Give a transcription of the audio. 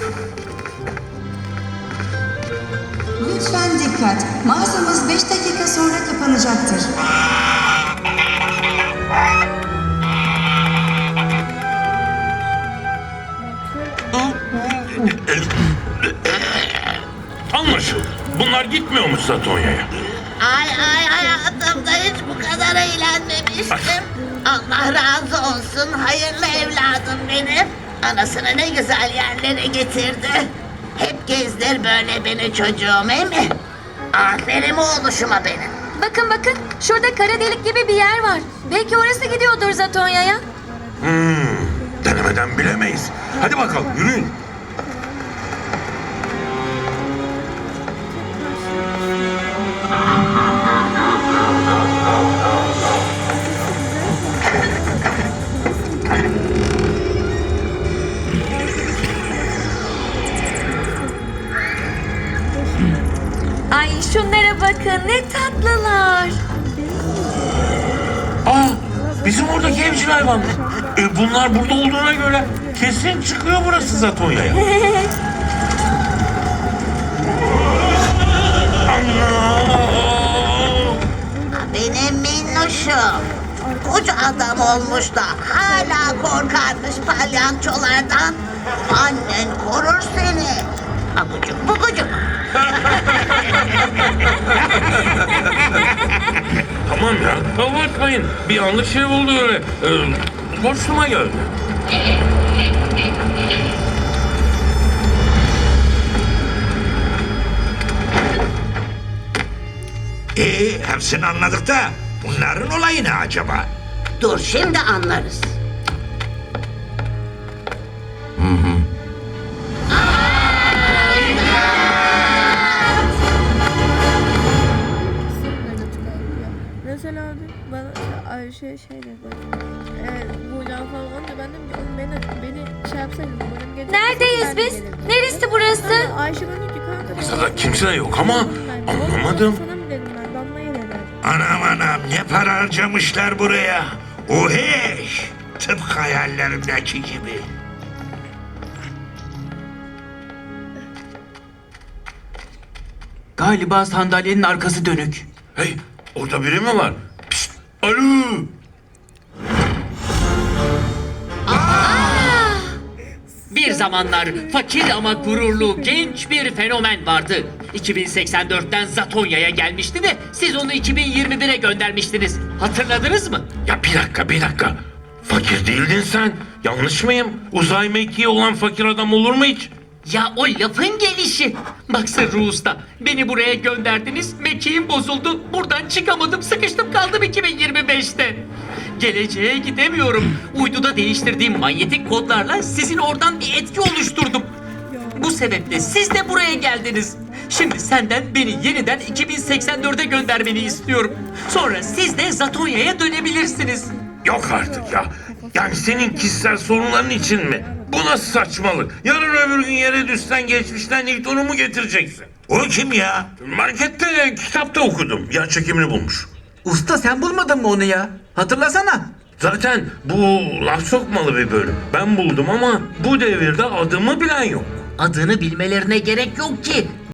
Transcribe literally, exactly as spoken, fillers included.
Lütfen dikkat. Mağazamız beş dakika sonra kapanacaktır. Anlaşıldı. Bunlar gitmiyormuş Zatonya'ya. Ay ay hayatımda hiç bu kadar eğlenmemiştim. Allah razı olsun hayırlı evladım benim. Anasını ne güzel yerlere getirdi. Hep gezdir böyle beni çocuğum, değil mi? Aferin oğluşuma benim. Bakın bakın şurada kara delik gibi bir yer var. Belki orası gidiyordur Zatonya'ya. Hmm, denemeden bilemeyiz. Hadi bakalım yürüyün. Ay şunlara bakın ne tatlılar. Aa, bizim oradaki evcil hayvan. E, bunlar burada olduğuna göre kesin çıkıyor burası Zatonya'ya. Allah! Benim minnoşum. Koca adam olmuş da hala korkarmış palyançolardan. Annen korur seni. Abucuk bubucuk. Tamam ya, abartmayın. Bir yanlış şey oldu öyle. Ee, boşluğuma geldi. Ee, hepsini anladık da bunların olayı ne acaba? Dur şimdi anlarız. Mesela abi bana işte Ayşe şey dedi. Eğer buradan falan olunca ben dedim ki oğlum beni, beni şey yapsaydın. Benim gece Neredeyiz biz? Neresi burası? Sonra Ayşe bana ki kanka. Burada kimse yok ama anlamadım. Sana mı dedim ben Damla'ya dedi. Anam anam ne para harcamışlar buraya. Oheş. Tıpkı hayallerimdeki gibi. Galiba sandalyenin arkası dönük. Hey, orada biri mi var? Pişt, alo! Bir zamanlar fakir ama gururlu genç bir fenomen vardı. iki bin seksen dörtten Zatonya'ya gelmişti de siz onu iki bin yirmi bire göndermiştiniz. Hatırladınız mı? Ya bir dakika, bir dakika. Fakir değildin sen. Yanlış mıyım? Uzay mekiği olan fakir adam olur mu hiç? Ya o lafın gelişi. Bak Sırrı Usta, beni buraya gönderdiniz, mekiğim bozuldu. Buradan çıkamadım, sıkıştım kaldım iki bin yirmi beşte. Geleceğe gidemiyorum. Uyduda değiştirdiğim manyetik kodlarla sizin oradan bir etki oluşturdum. Bu sebeple siz de buraya geldiniz. Şimdi senden beni yeniden iki bin seksen dörde göndermeni istiyorum. Sonra siz de Zatonya'ya dönebilirsiniz. Yok artık ya. Yani senin kişisel sorunların için mi? Bu nasıl saçmalık? Yarın öbür gün yere düşsen geçmişten Newton'u mu getireceksin? O kim ya? Markette, kitapta okudum. Yer çekimini bulmuş. Usta sen bulmadın mı onu ya? Hatırlasana. Zaten bu laf sokmalı bir bölüm. Ben buldum ama bu devirde adımı bilen yok. Adını bilmelerine gerek yok ki.